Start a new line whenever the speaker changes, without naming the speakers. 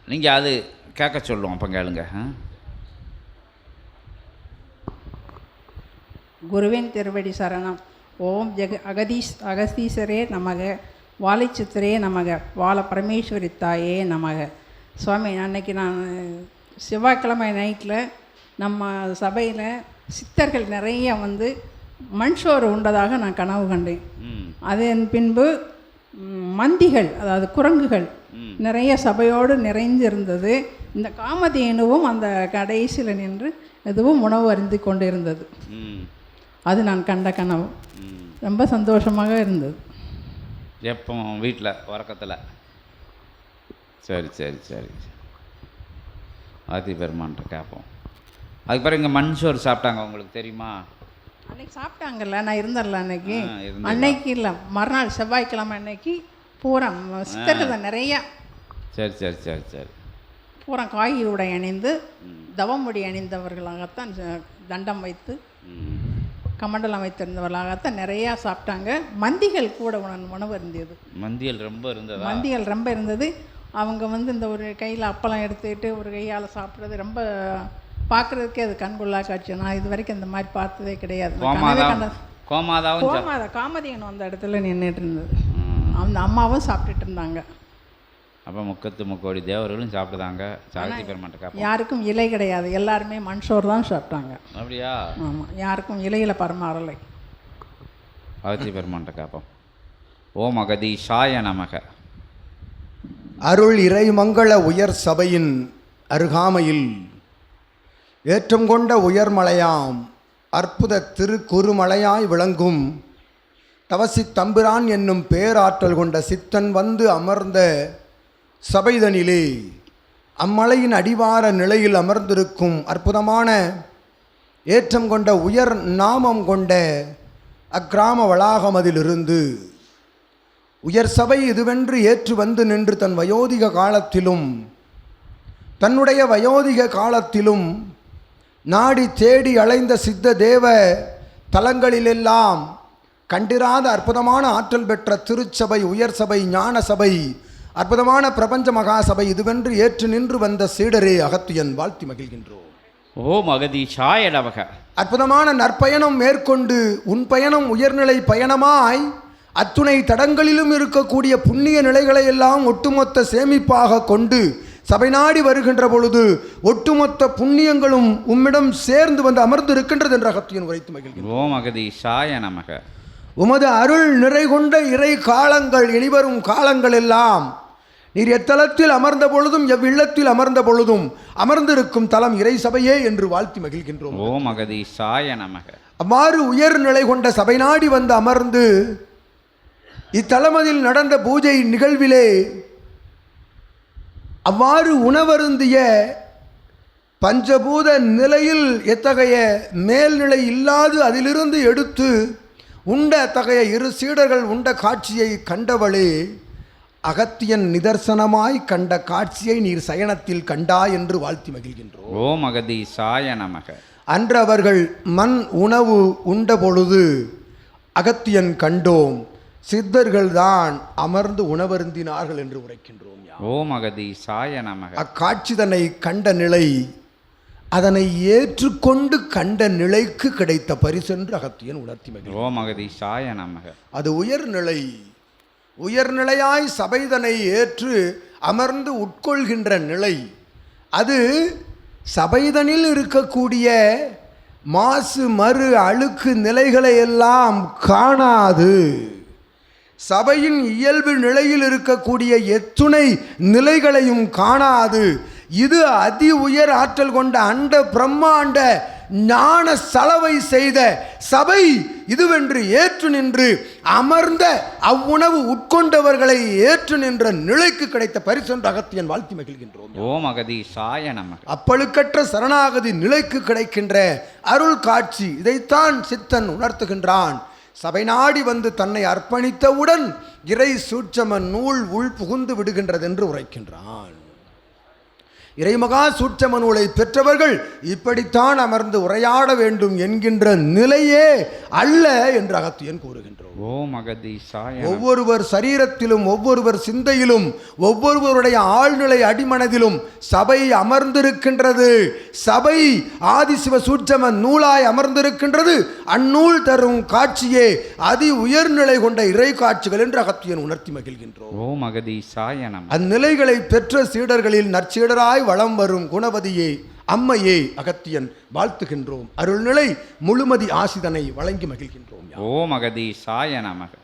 நீங்கள் அது கேட்க சொல்லுவோம், அப்போ கேளுங்க.
குருவின் திருவடி சரணம். ஓம் அகதீஸ்வரே நமக, வாழைச்சித்திரே நமக, வாழ பரமேஸ்வரி தாயே நமக. சுவாமி, அன்னைக்கு நான் செவ்வாய்க்கிழமை நைட்டில் நம்ம சபையில் சித்தர்கள் நிறைய வந்து மண் சோறு உண்டதாக நான் கனவு கண்டேன். அதன் பின்பு மந்திகள், அதாவது குரங்குகள் நிறைய சபையோடு நிறைந்திருந்தது. இந்த காமதேனுவும் அந்த கடைசியில் நின்று எதுவும் உணவு அருந்தி கொண்டு இருந்தது. அது நான் கண்ட கனவு. ரொம்ப சந்தோஷமாக இருந்தது.
எப்போ வீட்டில் உறக்கத்தில்? சரி சரி சரி, ஆதி பெருமான்ட்ட கேட்போம். அதுக்கு பிறகு இங்கே மண் சோறு சாப்பிட்டாங்க, உங்களுக்கு தெரியுமா?
அன்னைக்கு சாப்பிட்டாங்கல்ல, நான் இருந்தேன்ல அன்னைக்கு. அன்னைக்கு இல்லை, மறுநாள் செவ்வாய்க்கிழமை அன்னைக்கு பூரா சித்தர்கள் நிறையா.
சரி சரி சரி சரி.
பூரா காய் உடை அணிந்து தவமுடி அணிந்தவர்களாகத்தான், தண்டம் வைத்து கமண்டலம் வைத்திருந்தவர்களாகத்தான் நிறையா சாப்பிட்டாங்க. மந்திகள் கூட உணவு இருந்தது. மந்திகள் ரொம்ப இருந்தது. அவங்க வந்து இந்த ஒரு கையில் அப்பளம் எடுத்துக்கிட்டு ஒரு கையால் சாப்பிட்றது ரொம்ப பார்க்குறதுக்கே அது கண்கொள்ளா காட்சி. நான் இது வரைக்கும் இந்த மாதிரி பார்த்ததே கிடையாது. காமதேனு அந்த இடத்துல நின்றுட்டு இருந்தது. அந்த அம்மாவும் சாப்பிட்டுட்டு இருந்தாங்க.
அப்போ முக்கோடி தேவர்களும் சாப்பிட்டுதாங்க. சாகித்ய பெருமாட்ட
யாருக்கும் இலை கிடையாது, எல்லாருமே மண்சோறு தான் சாப்பிட்டாங்க.
அப்படியா?
ஆமாம், யாருக்கும் இலையில் பரமாறலை.
சாகித்ய பெருமாட்ட காப்போம். ஓம் அகதீஷாய நமக.
அருள் இறைமங்கள உயர் சபையின் அருகாமையில் ஏற்றம் கொண்ட உயர்மலையாம் அற்புத திருக்குறுமலையாய் விளங்கும் தவசி தம்பிரான் என்னும் பேராற்றல் கொண்ட சித்தன் வந்து அமர்ந்த சபைதனிலே அம்மலையின் அடிவார நிலையில் அமர்ந்திருக்கும் அற்புதமான ஏற்றம் கொண்ட உயர் நாமம் கொண்ட அக்கிராம வளாகமதிலிருந்து உயர் சபை இதுவென்று ஏற்று வந்து நின்று தன் வயோதிக காலத்திலும் தன்னுடைய வயோதிக காலத்திலும் நாடி தேடி அலைந்த சித்த தேவ தலங்களிலெல்லாம் கண்டிராத அற்புதமான ஆற்றல் பெற்ற திருச்சபை, உயர் சபை, ஞான சபை, அற்புதமான பிரபஞ்ச மகாசபை இதுவென்று ஏற்று நின்று வந்த சீடரே அகத்தியன் வாழ்த்தி மகிழ்கின்றோம்.
ஓம் அகதீஷாய நமக.
அற்புதமான நற்பயணம் மேற்கொண்டு உன் பயணம் உயர்நிலை பயணமாய் அத்துணை தடங்களிலும் இருக்கக்கூடிய புண்ணிய நிலைகளை எல்லாம் ஒட்டுமொத்த சேமிப்பாக கொண்டு சபை நாடி வருகின்ற பொழுது ஒட்டுமொத்த புண்ணியங்களும் உம்மிடம் சேர்ந்து வந்து அமர்ந்து இருக்கின்றது என்ற அகத்தியன் உரைத்து மகிழ்கின்றோம்.
ஓம் அகதீஷாய நமக.
உமது அருள் நிறை கொண்ட இறை காலங்கள் இனிவரும் காலங்கள் எல்லாம் நீர் எத்தலத்தில் அமர்ந்த பொழுதும் எவ்வில்லத்தில் அமர்ந்த பொழுதும் அமர்ந்திருக்கும் தலம் இறை சபையே என்று வாழ்த்தி மகிழ்கின்றோம்.
ஓம் அகதீஷாய நமக.
அவ்வாறு உயர் நிலை கொண்ட சபை நாடி வந்து அமர்ந்து இத்தலமதில் நடந்த பூஜை நிகழ்விலே அவ்வாறு உணவருந்திய பஞ்சபூத நிலையில் எத்தகைய மேல்நிலை இல்லாது அதிலிருந்து எடுத்து உண்ட அத்தகைய இரு சீடர்கள் உண்ட காட்சியை கண்டவளே, அகத்தியன் நிதர்சனமாய் கண்ட காட்சியை நீர் சயனத்தில் கண்டா என்று வாழ்த்தி மகிழ்கின்றோம்.
ஓம் அகதீஷாய நமக.
அன்று அவர்கள் மண் உணவு உண்ட பொழுது அகத்தியன் கண்டோம், சித்தர்கள் தான் அமர்ந்து உணவருந்தினார்கள் என்று உரைக்கின்றோம்.
ஓம் அகதீஷாய நமக.
அக்காட்சிதனை கண்ட நிலை, அதனை ஏற்றுக்கொண்டு கண்ட நிலைக்கு கிடைத்த பரிசென்று அகத்தியன் உணர்த்தி மகிழ்ந்தார்.
ஓம் அகதீஷாய நமக.
அது உயர்நிலை. உயர்நிலையாய் சபைதனை ஏற்று அமர்ந்து உட்கொள்கின்ற நிலை. அது சபைதனில் இருக்கக்கூடிய மாசு மறு அழுக்கு நிலைகளை எல்லாம் காணாது. சபையின் இயல்பு நிலையில் இருக்கக்கூடிய எத்துணை நிலைகளையும் காணாது. இது அதி உயர் ஆற்றல் கொண்ட அண்ட பிரம்மாண்ட ஞான சலவை செய்த சபை இதுவென்று ஏற்று நின்று அமர்ந்த அவ்வுணவு உட்கொண்டவர்களை ஏற்று நின்ற நிலைக்கு கிடைத்த பரிசென்று அகத்தியன் வாழ்த்தி மகிழ்கின்றோம்.
ஓம் அகதீஷாய நமக.
அப்பழுக்கற்ற சரணாகதி நிலைக்கு கிடைக்கின்ற அருள் காட்சி இதைத்தான் சித்தன் உணர்த்துகின்றான். சபை நாடி வந்து தன்னை அர்ப்பணித்தவுடன் இறை சூட்சம நூல் உள் புகுந்து விடுகின்றது என்று உரைக்கின்றான். இறைமகா சூட்சம நூலை பெற்றவர்கள் இப்படித்தான் அமர்ந்து உரையாட வேண்டும் என்கின்ற நிலையே அல்ல என்று அகத்தியன் கூறுகின்றோம்.
ஓம் அகதீசாய நமக.
ஒவ்வொருவர் சரீரத்திலும் ஒவ்வொருவர் சிந்தையிலும் ஒவ்வொருவருடைய ஆழ்நிலை அடிமனதிலும் சபை அமர்ந்திருக்கின்றது. சபை ஆதிசிவ சூட்சம நூலாய் அமர்ந்திருக்கின்றது. அந்நூல் தரும் காட்சியே அதி உயர்நிலை கொண்ட இறை காட்சிகள் என்று அகத்தியன் உணர்த்தி மகிழ்கின்றோம்.
ஓம் அகதீசாய நமக.
அந்நிலைகளை பெற்ற சீடர்களில் நற்சீடராய் வலம் வரும் குணவதியே அம்மையே அகத்தியன் வாழ்த்துகின்றோம். அருள்நிலை முழுமதி ஆசிதனை வழங்கி மகிழ்கின்றோம்.
ஓம் அகதீசாய நமக.